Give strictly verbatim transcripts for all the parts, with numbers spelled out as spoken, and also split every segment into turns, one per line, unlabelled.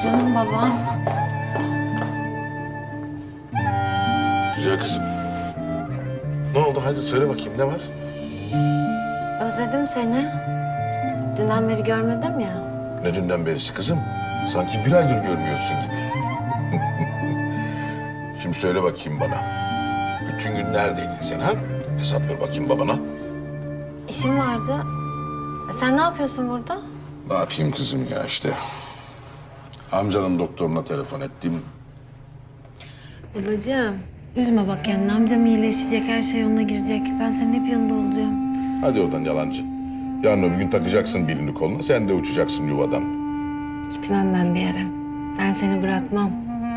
Canım babam.
Güzel kızım. Ne oldu? Hadi söyle bakayım ne var?
Özledim seni. Dünden beri görmedim ya.
Ne dünden berisi kızım? Sanki bir aydır görmüyorsun gibi. Şimdi söyle bakayım bana. Bütün gün neredeydin sen ha? Hesap ver bakayım babana.
İşim vardı. Sen ne yapıyorsun burada?
Ne yapayım kızım ya işte. Amcanın doktoruna telefon ettim.
Babacığım, üzme bak kendini. Amcam iyileşecek, her şey yoluna girecek. Ben senin hep yanında olacağım.
Hadi oradan yalancı. Yarın öbür gün takacaksın birini koluna, sen de uçacaksın yuvadan.
Gitmem ben bir yere. Ben seni bırakmam.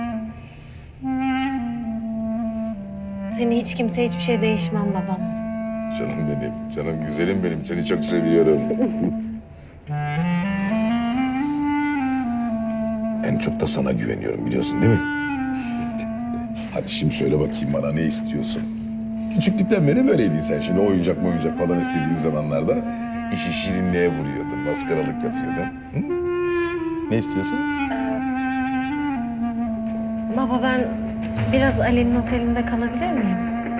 Seni hiç kimse hiçbir şey değişmem babam.
Canım benim, canım güzelim benim. Seni çok seviyorum. En çok da sana güveniyorum biliyorsun değil mi? Hadi şimdi söyle bakayım bana ne istiyorsun? Küçüklükten beri böyleydin sen. Şimdi oyuncak mı oyuncak falan istediğin zamanlarda işi şirinliğe vuruyordun, maskaralık yapıyordun. Hı? Ne istiyorsun?
Baba ben biraz Ali'nin otelinde kalabilir miyim?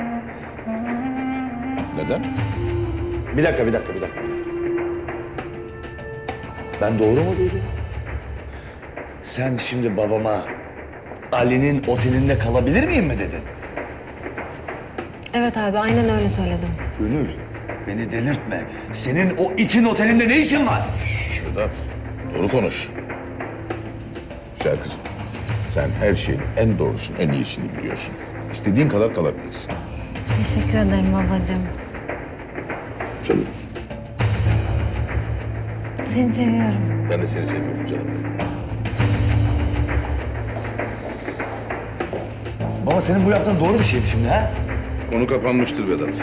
Neden?
Bir dakika, bir dakika, bir dakika. Ben doğru mu duydum? Sen şimdi babama Ali'nin otelinde kalabilir miyim mi dedin?
Evet abi aynen öyle söyledim.
Gönül, beni delirtme. Senin o itin otelinde ne işin var?
Şurada doğru konuş. Güzel kızım. Sen her şeyin en doğrusunu, en iyisini biliyorsun. İstediğin kadar kalabilirsin.
Teşekkür ederim babacığım.
Canım.
Seni seviyorum.
Ben de seni seviyorum canım benim.
Baba senin bu yaptığın doğru bir şey mi şimdi ha?
Konu kapanmıştır Vedat.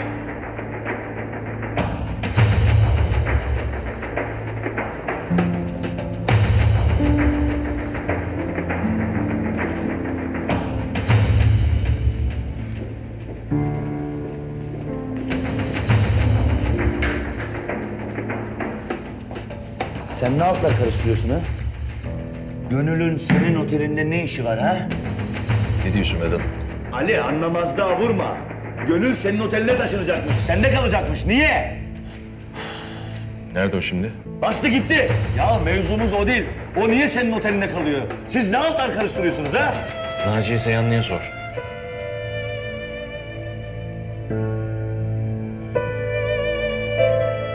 Sen ne altlar karıştırıyorsun ha? Gönül'ün senin otelinde ne işi var ha?
Ne diyorsun Vedat?
Ali anlamazlığa vurma. Gönül senin oteline taşınacakmış. Sende kalacakmış. Niye?
Nerede o şimdi?
Bastı gitti. Ya mevzumuz o değil. O niye senin otelinde kalıyor? Siz ne altlar karıştırıyorsunuz ha?
Naciye Seyhanlı'ya sor.